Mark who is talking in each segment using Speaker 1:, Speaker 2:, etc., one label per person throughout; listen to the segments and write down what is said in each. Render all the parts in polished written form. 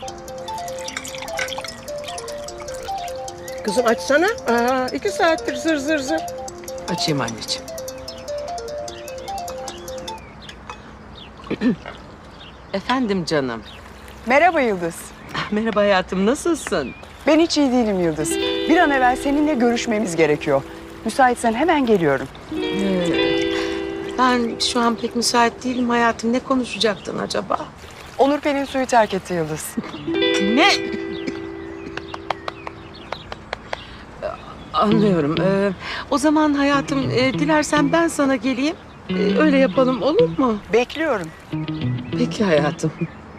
Speaker 1: Kızım açsana. 2 saattir zır zır zır.
Speaker 2: Açayım anneciğim. Efendim canım.
Speaker 3: Merhaba Yıldız.
Speaker 2: Merhaba hayatım, nasılsın?
Speaker 3: Ben hiç iyi değilim Yıldız. Bir an evvel seninle görüşmemiz gerekiyor. Müsaitsen hemen geliyorum.
Speaker 2: Ben şu an pek müsait değilim hayatım. Ne konuşacaktın acaba?
Speaker 3: Onur Pelin suyu terk etti Yıldız.
Speaker 2: Ne? Anlıyorum. O zaman hayatım, dilersen ben sana geleyim. Öyle yapalım, olur mu?
Speaker 3: Bekliyorum.
Speaker 2: Peki hayatım.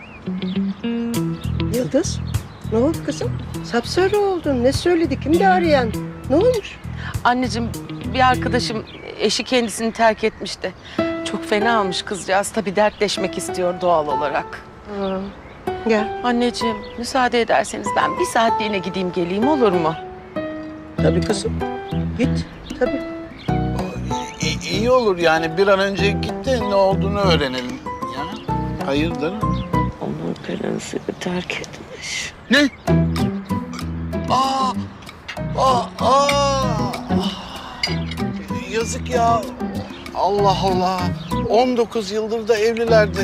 Speaker 1: Yıldız, ne oldu kızım? Sapsarı oldun. Ne söyledi? Kimdi arayan? Ne olmuş?
Speaker 2: Anneciğim, bir arkadaşım eşi kendisini terk etmişti. Çok fena olmuş kızcağız. Tabii dertleşmek istiyor doğal olarak.
Speaker 1: Gel.
Speaker 2: Anneciğim, müsaade ederseniz ben bir saatliğine gideyim geleyim, olur mu?
Speaker 1: Tabii kızım. Git. Tabii.
Speaker 4: İyi olur yani bir an önce git de ne olduğunu öğrenelim. Ya. Hayırdır?
Speaker 2: Onur Pelin'i terk etmiş.
Speaker 4: Ne? Aa! Yazık ya. Allah Allah. 19 yıldır da evlilerdi.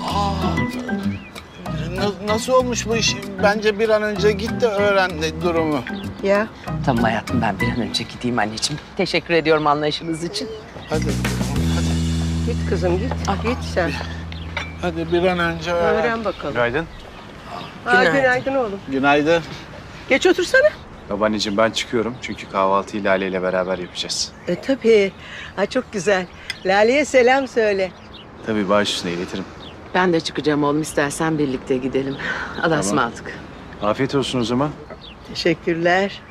Speaker 4: Nasıl olmuş bu iş? Bence bir an önce git de öğren durumu.
Speaker 1: Ya.
Speaker 2: Tamam hayatım, ben bir an önce gideyim anneciğim. Teşekkür ediyorum anlayışınız için.
Speaker 4: Hadi.
Speaker 1: Git kızım git. Git sen.
Speaker 4: Hadi bir an önce öğren.
Speaker 1: Öğren bakalım.
Speaker 5: Günaydın.
Speaker 1: Günaydın oğlum.
Speaker 4: Günaydın.
Speaker 1: Geç otursana.
Speaker 5: Babaanneciğim ben çıkıyorum çünkü kahvaltıyı Lale ile beraber yapacağız.
Speaker 1: Tabii. Çok güzel. Lale'ye selam söyle.
Speaker 5: Tabii baş üstüne iletirim.
Speaker 2: Ben de çıkacağım oğlum, istersen birlikte gidelim. Allah'a ısmarladık.
Speaker 5: Afiyet olsun o zaman.
Speaker 1: Teşekkürler.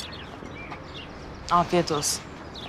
Speaker 2: Afiyet olsun.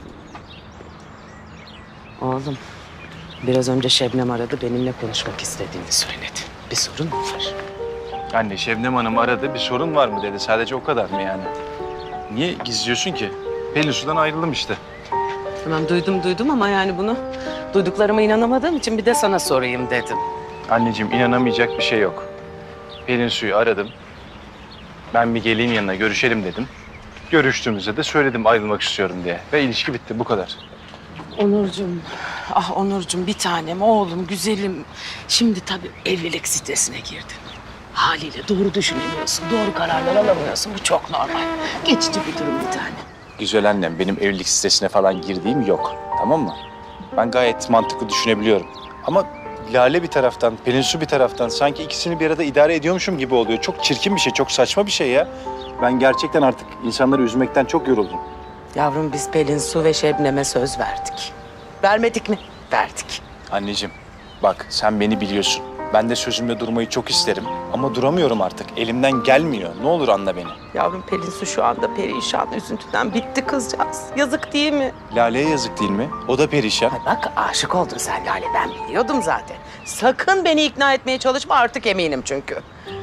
Speaker 2: Oğlum, biraz önce Şebnem aradı, benimle konuşmak istediğini söyledi. Bir sorun mu var?
Speaker 5: Anne Şebnem Hanım aradı, bir sorun var mı dedi. Sadece o kadar mı yani? Niye gizliyorsun ki? Pelin Su'dan ayrıldım işte.
Speaker 2: Tamam, duydum ama yani bunu duyduklarıma inanamadığım için bir de sana sorayım dedim.
Speaker 5: Anneciğim inanamayacak bir şey yok. Pelin Su'yu aradım. Ben bir geleyim yanına görüşelim dedim. Görüştüğümüzde de söyledim ayrılmak istiyorum diye. Ve ilişki bitti bu kadar.
Speaker 2: Onurcuğum, ah Onurcuğum, bir tanem, oğlum, güzelim. Şimdi tabii evlilik stresine girdin. Haliyle doğru düşünemiyorsun, doğru kararlar alamıyorsun. Bu çok normal. Geçici bir durum bir tane.
Speaker 5: Güzel annem, benim evlilik sitesine falan girdiğim yok. Tamam mı? Ben gayet mantıklı düşünebiliyorum. Ama Lale bir taraftan, Pelin Su bir taraftan sanki ikisini bir arada idare ediyormuşum gibi oluyor. Çok çirkin bir şey, çok saçma bir şey ya. Ben gerçekten artık insanları üzmekten çok yoruldum.
Speaker 2: Yavrum, biz Pelin Su ve Şebnem'e söz verdik. Vermedik mi? Verdik.
Speaker 5: Anneciğim, bak sen beni biliyorsun. Ben de sözümde durmayı çok isterim. Ama duramıyorum artık. Elimden gelmiyor. Ne olur anla beni.
Speaker 2: Yavrum, Pelin Su şu anda perişan, üzüntüden bitti kızcağız. Yazık değil mi?
Speaker 5: Lale'ye yazık değil mi? O da perişan.
Speaker 2: Ay bak, aşık oldun sen Lale, ben biliyordum zaten. Sakın beni ikna etmeye çalışma, artık eminim çünkü.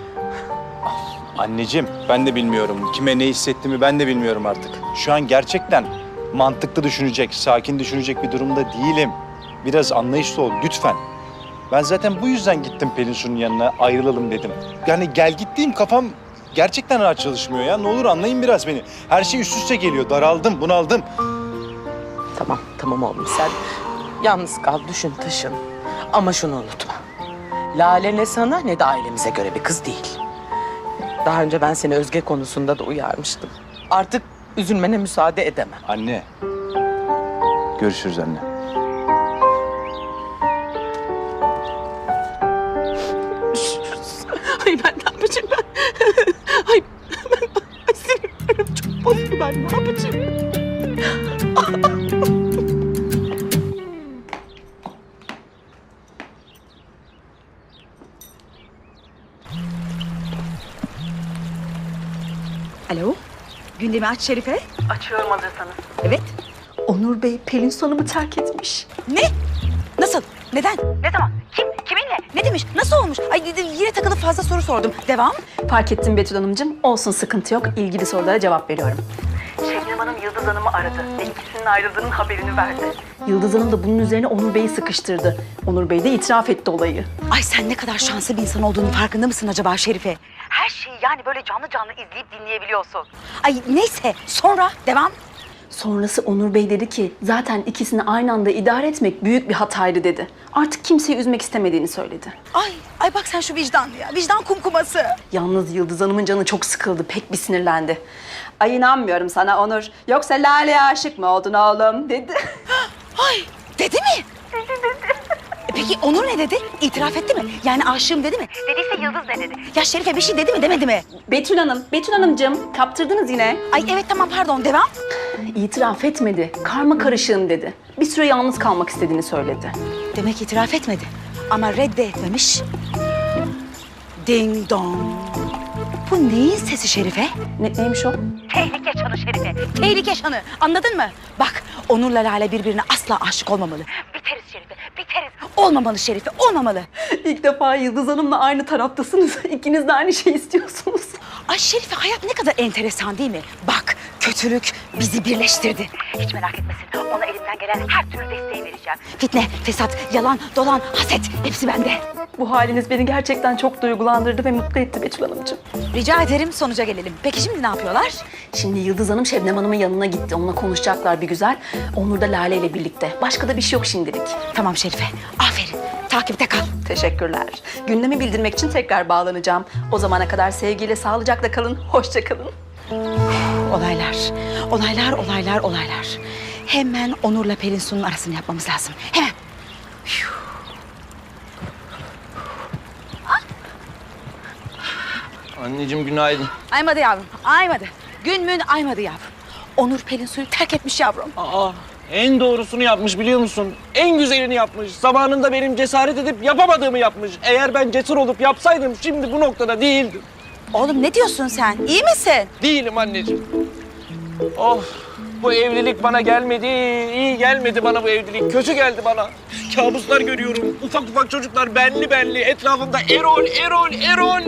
Speaker 5: Anneciğim, ben de bilmiyorum. Kime ne hissettiğimi ben de bilmiyorum artık. Şu an gerçekten mantıklı düşünecek, sakin düşünecek bir durumda değilim. Biraz anlayışlı ol lütfen. Ben zaten bu yüzden gittim Pelin Su'nun yanına, ayrılalım dedim. Yani gel gittiğim kafam gerçekten rahat çalışmıyor ya. Ne olur anlayın biraz beni. Her şey üst üste geliyor. Daraldım, bunaldım.
Speaker 2: Tamam oğlum, sen yalnız kal, düşün, taşın. Ama şunu unutma. Lale ne sana ne de ailemize göre bir kız değil. Daha önce ben seni Özge konusunda da uyarmıştım. Artık üzülmene müsaade edemem.
Speaker 5: Anne. Görüşürüz anne.
Speaker 2: Ay ben ne yapacağım ben? Ay sinirlerim çok bozuldu, ben ne yapacağım?
Speaker 6: Alo, gündemi aç Şerife.
Speaker 7: Açıyorum hazırsanız.
Speaker 6: Evet.
Speaker 7: Onur Bey Pelin Su Hanım'ı terk etmiş.
Speaker 6: Ne? Nasıl? Neden?
Speaker 7: Ne zaman? Kim? Kiminle?
Speaker 6: Ne demiş? Nasıl olmuş? Ay yine takılıp fazla soru sordum. Devam.
Speaker 7: Fark ettim Betül Hanımcığım. Olsun, sıkıntı yok. İlgili sorulara cevap veriyorum. Şebnem Hanım Yıldız Hanım'ı aradı ve ikisinin ayrıldığının haberini verdi. Yıldız Hanım da bunun üzerine Onur Bey'i sıkıştırdı. Onur Bey de itiraf etti olayı.
Speaker 6: Ay sen ne kadar şanslı bir insan olduğunun farkında mısın acaba Şerife? her şeyi yani böyle canlı canlı izleyip dinleyebiliyorsun. Ay neyse sonra devam.
Speaker 7: Sonrası Onur Bey dedi ki zaten ikisini aynı anda idare etmek büyük bir hataydı dedi. Artık kimseyi üzmek istemediğini söyledi.
Speaker 6: Ay bak sen şu vicdanlı ya. Vicdan kumkuması.
Speaker 7: Yalnız Yıldız Hanım'ın canı çok sıkıldı, pek bir sinirlendi. Ay inanmıyorum sana Onur. Yoksa Lale'ye aşık mı oldun oğlum dedi.
Speaker 6: Ay dedi mi? Dedi. Peki Onur ne dedi? İtiraf etti mi? Yani aşığım dedi mi? Dediyse Yıldız ne dedi? Ya Şerife bir şey dedi mi demedi mi?
Speaker 7: Betül Hanımcığım kaptırdınız yine.
Speaker 6: Ay evet tamam pardon devam.
Speaker 7: İtiraf etmedi, karma karışığım dedi. Bir süre yalnız kalmak istediğini söyledi.
Speaker 6: Demek itiraf etmedi. Ama reddetmemiş. Ding dong. Bu neyin sesi Şerife?
Speaker 7: Neymiş o?
Speaker 6: Tehlike çanı Şerife. Tehlike çanı. Anladın mı? Bak Onur'la Lale birbirine asla aşık olmamalı. Biteriz Şerife. Biteriz. Olmamalı Şerife. Olmamalı.
Speaker 7: İlk defa Yıldız Hanım'la aynı taraftasınız. İkiniz de aynı şeyi istiyorsunuz.
Speaker 6: Ay Şerife hayat ne kadar enteresan değil mi? Bak kötülük bizi birleştirdi. Hiç merak etmesin. Ona elimden gelen her türlü desteği vereceğim. Fitne, fesat, yalan, dolan, haset hepsi bende.
Speaker 7: Bu haliniz beni gerçekten çok duygulandırdı ve mutlu etti Betül Hanımcığım.
Speaker 6: Rica ederim sonuca gelelim. Peki şimdi ne yapıyorlar?
Speaker 7: Şimdi Yıldız Hanım Şebnem Hanım'ın yanına gitti. Onunla konuşacaklar bir güzel. Onur da Lale ile birlikte. Başka da bir şey yok şimdilik.
Speaker 6: Tamam Şerife. Aferin. Takipte kal.
Speaker 7: Teşekkürler. Gündemi bildirmek için tekrar bağlanacağım. O zamana kadar sevgiyle, sağlıcakla kalın. Hoşça kalın.
Speaker 6: Olaylar. Hemen Onur'la Pelin Su'nun arasını yapmamız lazım. Hemen.
Speaker 8: Anneciğim günaydın.
Speaker 6: Aymadı yavrum. Aymadı. Gün mün aymadı yavrum. Onur Pelin Su'yu terk etmiş yavrum.
Speaker 8: Aa, en doğrusunu yapmış biliyor musun? En güzelini yapmış. Zamanında benim cesaret edip yapamadığımı yapmış. Eğer ben cesur olup yapsaydım şimdi bu noktada değildim.
Speaker 6: Oğlum ne diyorsun sen? İyi misin?
Speaker 8: Değilim anneciğim. Oh, bu evlilik bana gelmedi. İyi gelmedi bana bu evlilik. Kötü geldi bana. Kabuslar görüyorum. Ufak ufak çocuklar benli. Etrafımda Erol.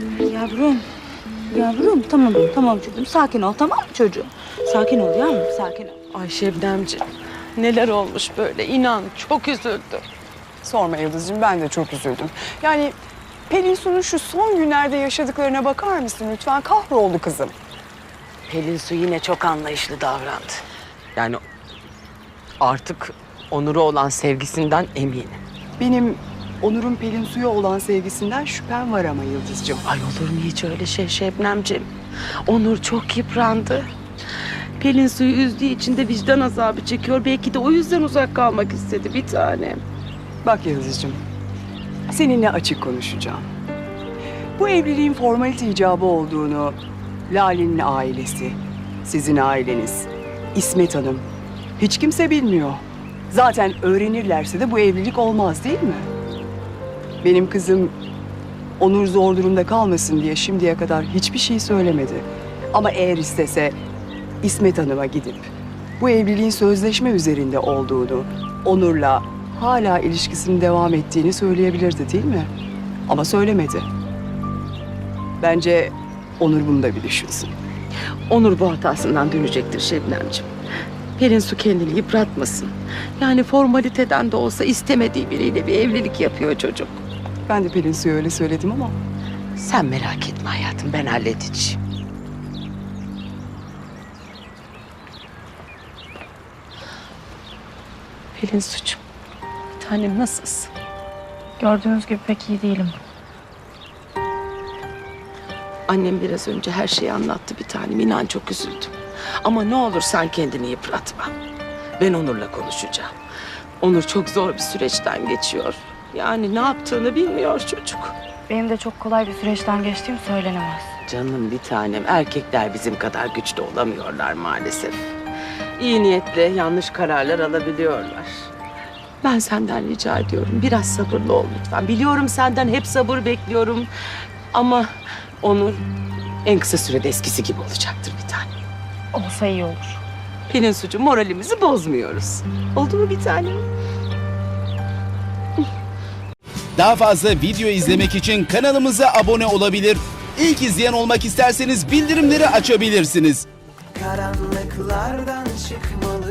Speaker 6: Yavrum tamam çocuğum. Sakin ol tamam mı çocuğum? Sakin ol yavrum sakin ol.
Speaker 2: Ay Şebnemciğim, neler olmuş böyle inan çok üzüldüm.
Speaker 3: Sorma Yıldız'cığım, ben de çok üzüldüm. Yani Pelin Su'nun şu son günlerde yaşadıklarına bakar mısın lütfen? Kahroldu kızım.
Speaker 2: Pelin Su yine çok anlayışlı davrandı. Yani artık Onur'a olan sevgisinden eminim.
Speaker 3: Benim Onur'un Pelin Su'ya olan sevgisinden şüphem var ama Yıldız'cığım.
Speaker 2: Ay olur mu hiç öyle şey Şebnemciğim? Onur çok yıprandı. Pelin Su'yu üzdüğü için de vicdan azabı çekiyor. Belki de o yüzden uzak kalmak istedi bir tanem.
Speaker 3: Bak Yıldız'cığım, seninle açık konuşacağım. Bu evliliğin formalite icabı olduğunu Lale'nin ailesi, sizin aileniz, İsmet Hanım hiç kimse bilmiyor. Zaten öğrenirlerse de bu evlilik olmaz değil mi? Benim kızım Onur zor durumda kalmasın diye şimdiye kadar hiçbir şey söylemedi. Ama eğer istese İsmet Hanım'a gidip bu evliliğin sözleşme üzerinde olduğunu, Onur'la hala ilişkisinin devam ettiğini söyleyebilirdi değil mi? Ama söylemedi. Bence Onur bunu da bir düşünsün.
Speaker 2: Onur bu hatasından dönecektir Şebnemciğim. Pelin Su kendini yıpratmasın. Yani formaliteden de olsa istemediği biriyle bir evlilik yapıyor çocuk.
Speaker 3: Ben de Pelin Su'ya öyle söyledim ama
Speaker 2: Sen merak etme hayatım, ben halledeceğim. Pelin Su'cum, bir tanem nasılsın?
Speaker 9: Gördüğünüz gibi pek iyi değilim.
Speaker 2: Annem biraz önce her şeyi anlattı bir tanem. İnan çok üzüldüm. Ama ne olur sen kendini yıpratma. Ben Onur'la konuşacağım. Onur çok zor bir süreçten geçiyor. Yani ne yaptığını bilmiyor çocuk.
Speaker 9: Benim de çok kolay bir süreçten geçtiğim söylenemez.
Speaker 2: Canım bir tanem, erkekler bizim kadar güçlü olamıyorlar maalesef. İyi niyetle yanlış kararlar alabiliyorlar. Ben senden rica ediyorum, biraz sabırlı ol lütfen. Biliyorum senden hep sabır bekliyorum. Ama Onur en kısa sürede eskisi gibi olacaktır bir tanem.
Speaker 9: Olsa iyi olur.
Speaker 2: Pelin Su'cum, moralimizi bozmuyoruz. Oldu mu bir tanem?
Speaker 10: Daha fazla video izlemek için kanalımıza abone olabilir. İlk izleyen olmak isterseniz bildirimleri açabilirsiniz.
Speaker 11: Karanlıklardan çıkmalı.